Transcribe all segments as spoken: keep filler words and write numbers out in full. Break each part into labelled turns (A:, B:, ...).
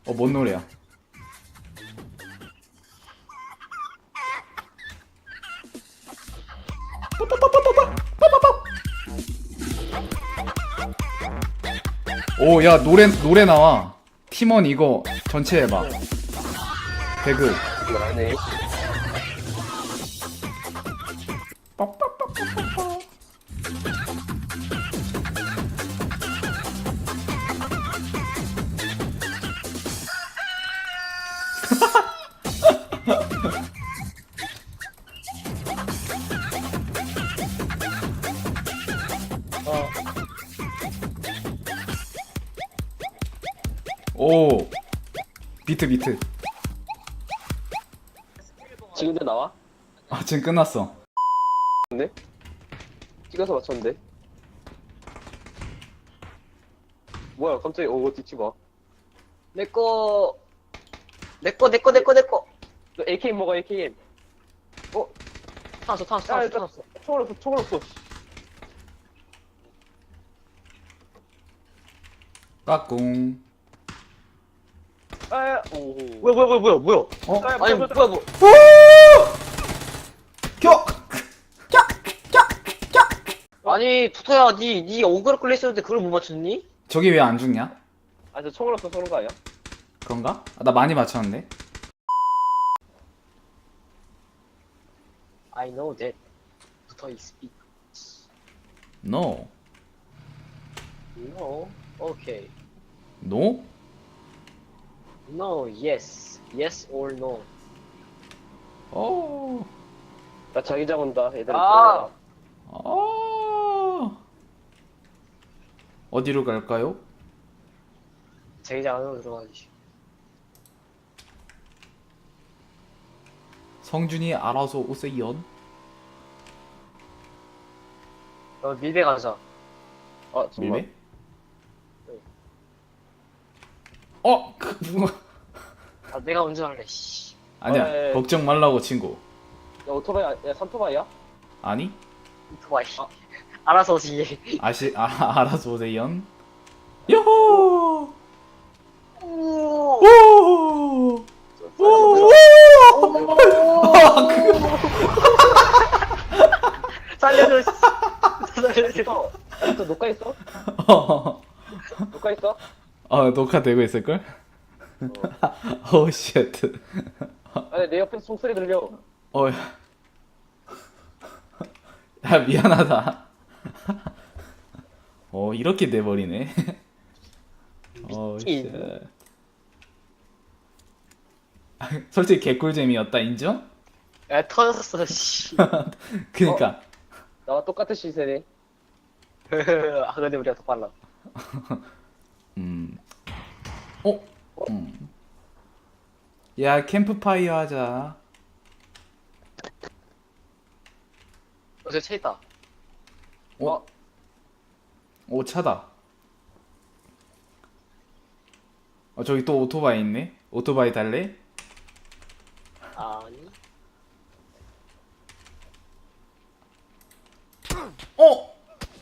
A: 어, 뭔 노래야? 오, 야, 노래, 노래 나와. 팀원 이거 전체 해봐. 배그.
B: 이걸 하네. 어,
A: 오, 비트, 비트.
B: 지금도 나와?
A: 아, 지금 끝났어.
B: 근데? 찍어서 맞췄는데? 뭐야, 갑자기, 오, 뒤치 마.
C: 내꺼 내꺼 내꺼 내꺼 내꺼
B: 너 에이케이엠 먹어, 에이케이엠. 어?
C: 타났어 타났어
B: 야,
C: 타났어
B: 일단,
C: 타났어
B: 총알 없어, 총알 없어.
A: 까꿍.
B: 아, 오.
C: 뭐야 뭐야 뭐야 뭐야 뭐야
A: 어?
B: 아,
C: 아니
B: 뭐야,
C: 뭐야 뭐
A: 겨!
C: 아니 투토야 니니 어그로 끌려 있었는데 그걸 못 맞췄니?
A: 저기 왜 안 죽냐?
B: 아, 저 총알 없어, 쏘는 거 아니야?
A: 그런가? 아, 나 많이 맞췄는데?
C: I know that 투토 is speak
A: No.
C: no okay
A: No?
C: no yes yes or no
A: 어.
B: 나 자기장 온다, 얘들.
C: 아.
A: 어. 어디로 갈까요?
C: 자기장 안으로 들어가지
A: 성준이 알아서 오세요.
C: 어 밀배 가자
B: 아, 정말.
A: 밀배? 어, 그, 뭐.
C: 아 내가 운전할래 씨
A: 아니야,
B: 어, 예, 예.
A: 걱정 말라고 친구.
B: 야, 오토바이, 아- 야, 삼토바이야?
A: 아니?
C: 오토바이 알아서 오지
A: 아시, 아, 알아서 오세요. 요호!
C: 오
A: 오! 오!
C: 살려줘 씨. 살려줘
B: 야, 또 녹화했어?
A: 어,
B: 녹화했어?
A: 어, 녹화되고 있을걸? 오, 쉣.
B: 아니, 내 옆에서 총소리 들려.
A: 어, 야. 야, 미안하다. 어, 이렇게 돼버리네. 어, 쉣. 솔직히 개꿀잼이었다, 인정?
C: 야 터졌어 씨
A: 그니까.
B: 나와 똑같은 시세네.
C: 아 근데 우리가 더 빨라
A: 음. 어? 음. 야, 캠프파이어 하자.
C: 어, 저차 있다.
A: 어? 오, 차다. 어, 저기 또 오토바이 있네? 오토바이 달래?
C: 아니.
A: 어!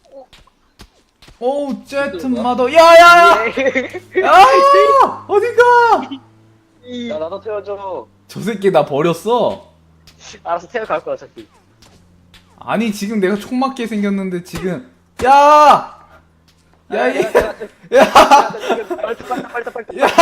A: 오, 제트 마더. 야, 야, 야! 야! 어딘가!
B: 야, 나도 태워줘.
A: 저 새끼 나 버렸어.
C: 알아서 태워갈 거야, 어차피.
A: 아니, 지금 내가 총 맞게 생겼는데, 지금. 야! 야, 얘. 야!
C: 빨리 빨리 빨리 빨리.
A: 야!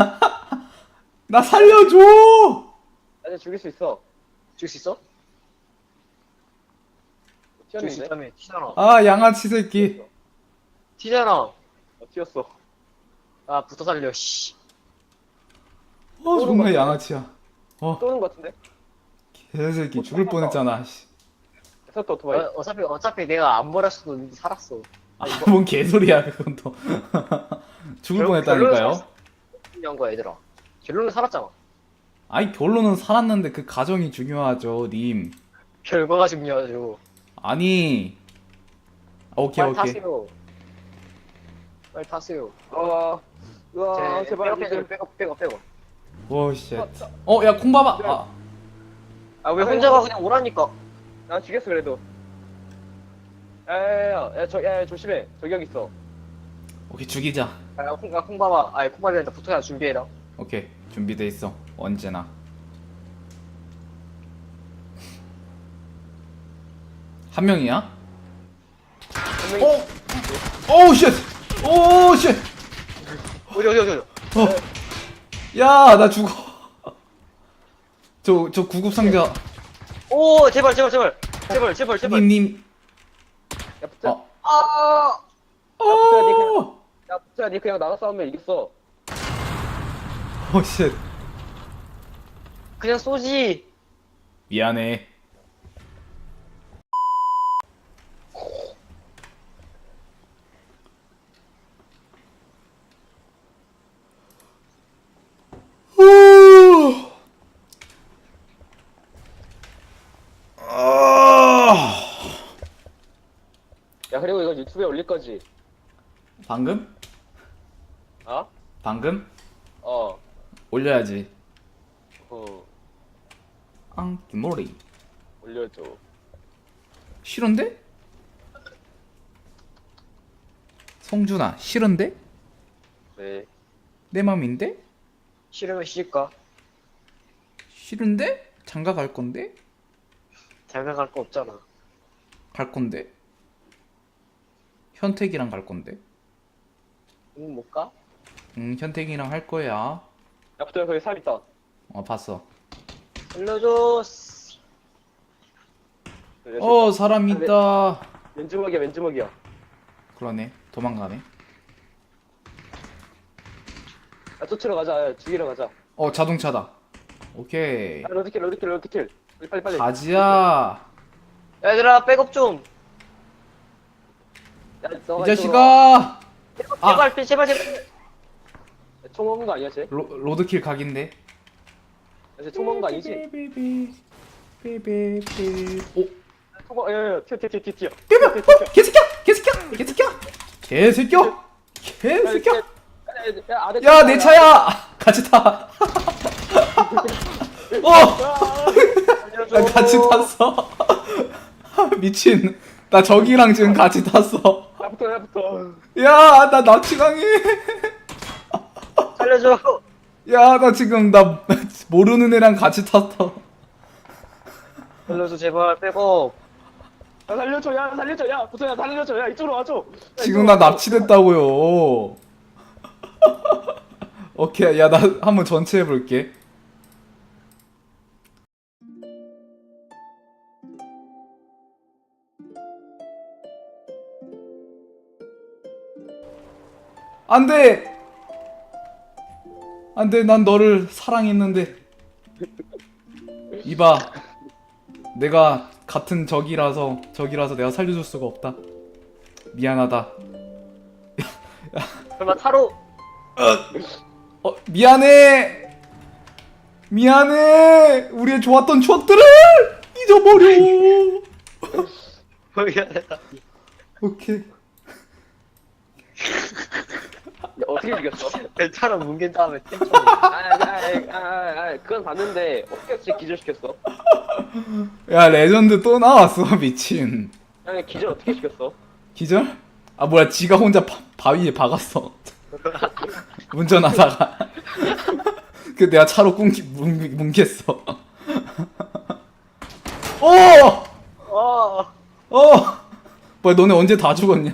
A: 나 살려줘!
B: 나 이제 죽일 수 있어.
C: 죽일 수 있어? 죽일 수
B: 튀었는데?
C: 있다며. 튀잖아.
A: 아, 양아치 새끼.
C: 튀잖아.
B: 어, 튀었어.
C: 아, 붙어 살려, 씨.
A: 어, 정말 양아치야. 어,
B: 쏘는 거 같은데?
A: 개새끼 죽을 뻔했잖아. 씨.
B: 섰다, 오토바이.
C: 어, 어차피, 어차피 내가 안 버렸어도 살았어.
A: 아, 뭔 개소리야, 그건 또. 죽을
C: 결국
A: 뻔했다니까요?
C: 중요한 거야, 얘들아. 결론은 살았잖아.
A: 아니, 결론은 살았는데 그 과정이 중요하죠, 님.
C: 결과가 중요하죠.
A: 아니. 오케이,
C: 빨리
A: 오케이.
C: 타세요. 빨리 타세요.
B: 아, 우와,
C: 제,
B: 제발.
C: 백업, 백업, 백업, 백업, 백업.
A: 오, 쉣. 어, 야, 콩밥아. 아,
C: 아, 왜 혼자가 그냥 오라니까.
B: 나 죽였어, 그래도. 야, 야, 야, 야, 저, 야, 야, 조심해. 저기 여기 있어.
A: 오케이, 죽이자.
C: 아, 콩, 아, 콩밥아. 아니, 콩밥이 아니라 붙어야 준비해라.
A: 오케이 준비돼 있어 언제나. 한 명이야?
C: 한 명이
A: 오! 오우 쉣! 오우 쉣!
C: 어디 어디 어디 어디.
A: 어. 야, 나 죽어. 저, 저 구급 상자.
C: 오 제발 제발 제발 제발 제발 제발.
A: 님, 님.
B: 야 부터
A: 어.
C: 아
A: 어.
B: 야 부터야 니 그냥 나가 싸우면 이겼어.
A: 오, 쉣.
C: 그냥 쏘지.
A: 미안해. 후. 아.
B: 야 그리고 이거 유튜브에 올릴 거지?
A: 방금?
B: 어?
A: 방금?
B: 어.
A: 올려야지.
B: 어.
A: 앙기모리.
B: 올려줘.
A: 싫은데? 성준아, 싫은데?
B: 네.
A: 내 맘인데?
C: 싫으면 쉴까?
A: 싫은데? 장가 갈 건데?
C: 장가 갈 거 없잖아.
A: 갈 건데? 현택이랑 갈 건데?
C: 응, 못 가?
A: 응, 현택이랑 할 거야.
B: 야 부터야 거기 사람 있다.
A: 어, 봤어.
C: 살려줘.
A: 어, 사람 있다.
B: 왼주먹이야 왼주먹이야.
A: 그러네. 도망가네.
B: 야 쫓으러 가자. 야, 죽이러 가자.
A: 어, 자동차다. 오케이.
B: 야 로드킬 로드킬 로드킬. 빨리 빨리 빨리.
A: 가지야.
C: 얘들아 백업 좀.
B: 야,
A: 이
B: 너가
A: 자식아. 아.
C: 제발 제발 제발.
B: 야, 총 먹은 거 아니야 쟤?
A: 로, 로드킬 각인데.
B: 야, 쟤총 먹은 거 아니지?
A: 삐삐삐. 삐삐삐. 오.
B: 총 먹. 야야야 튀어 튀어 튀어 튀어.
A: 삐삐. 어, 개새끼야. 개새끼야. 개새끼야. 개새끼야. 개새끼야.
B: 야 아래.
A: 야, 내 차야. 같이 타. 어.
C: 살려줘.
A: 나 같이 탔어. 미친. 나 저기랑 지금 같이 탔어.
B: 야부터 야부터.
A: 야, 나 납치당해.
C: 살려줘.
A: 야, 나 지금 나 모르는 애랑 같이 탔어.
C: 살려줘 제발 백업.
B: 야 살려줘 야 살려줘 야 부터야 살려줘 야 이쪽으로 와줘. 야,
A: 지금
B: 이쪽으로
A: 나
B: 와줘.
A: 납치됐다고요. 오케이, 야, 나 한번 전체 해볼게. 안 돼! 안 돼, 난 너를 사랑했는데. 이봐. 내가 같은 적이라서, 적이라서 내가 살려줄 수가 없다. 미안하다.
C: 설마 타로.
A: 어, 미안해! 미안해! 우리의 좋았던 추억들을 잊어버려!
C: 미안하다.
A: 오케이.
B: 야, 어떻게 죽였어?
C: 타로 뭉갠 다음에 땡쳐.
B: 아아아아 그건 봤는데 어떻게 진짜 기절시켰어?
A: 야, 레전드 또 나왔어, 미친.
B: 아니 기절 어떻게 시켰어?
A: 기절? 아, 뭐야, 지가 혼자 바, 바위에 박았어. 운전하다가. 그 내가 차로 꿍기, 뭉, 뭉겠어. 어!
C: 어.
A: 어! 뭐야, 너네 언제 다 죽었냐?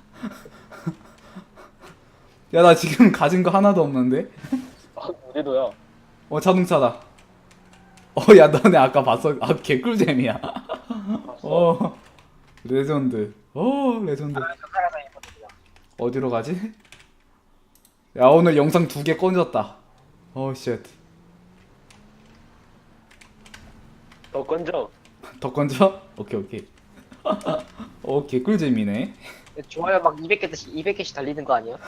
A: 야, 나 지금 가진 거 하나도 없는데?
B: 아 우리도야.
A: 어, 자동차다. 어, 야, 너네 아까 봤어? 아, 개꿀잼이야. 어, 레전드. 어, 레전드. 어디로 가지? 야, 오늘 영상 두 개 꺼졌다. 어, 쉣.
B: 너 건져.
A: 더 건져? 오케이, 오케이. 어, 개꿀잼이네.
C: 좋아요 막 이백 개씩 이백 개씩 달리는 거 아니야?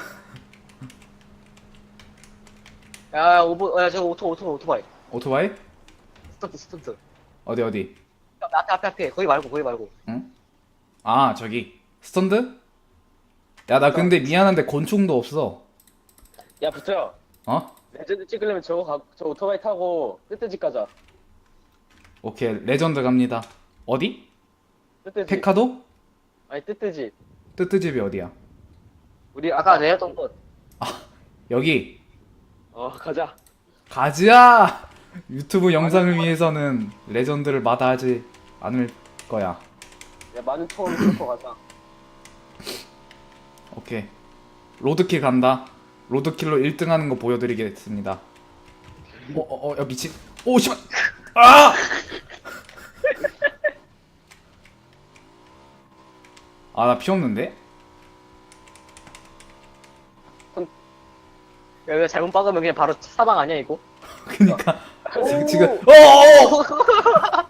C: 야 오버 야 저거 오토 오토 오토바이.
A: 오토바이?
C: 스턴트 스턴트.
A: 어디, 어디?
C: 앞에 앞에 앞에 거기 말고 거기 말고.
A: 응? 아, 저기. 스턴드? 야, 나 근데 미안한데 권총도 없어.
B: 야 부터야.
A: 어?
B: 레전드 찍으려면 저거 가, 저 오토바이 타고 뜨뜨집 가자.
A: 오케이, 레전드 갑니다. 어디?
B: 뜨뜨집.
A: 페카도?
B: 아니 뜨뜨집.
A: 뜨뜨집이 어디야?
B: 우리
C: 아까 내렸던 곳.
A: 여기.
B: 어 가자.
A: 가지야! 유튜브 영상을 위해서는 레전드를 마다하지 않을 거야.
B: 야 많은 총을 쏠거 가자.
A: 오케이. 로드킬 간다. 로드킬로 일 등 하는 거 보여드리겠습니다. 어, 어, 어, 야, 미친. 오, 씨발! 아! 아, 나 피 없는데?
C: 야, 이거 잘못 박으면 그냥 바로 사망 아니야, 이거?
A: 그니까.
B: 오!
A: 지금, 어어어!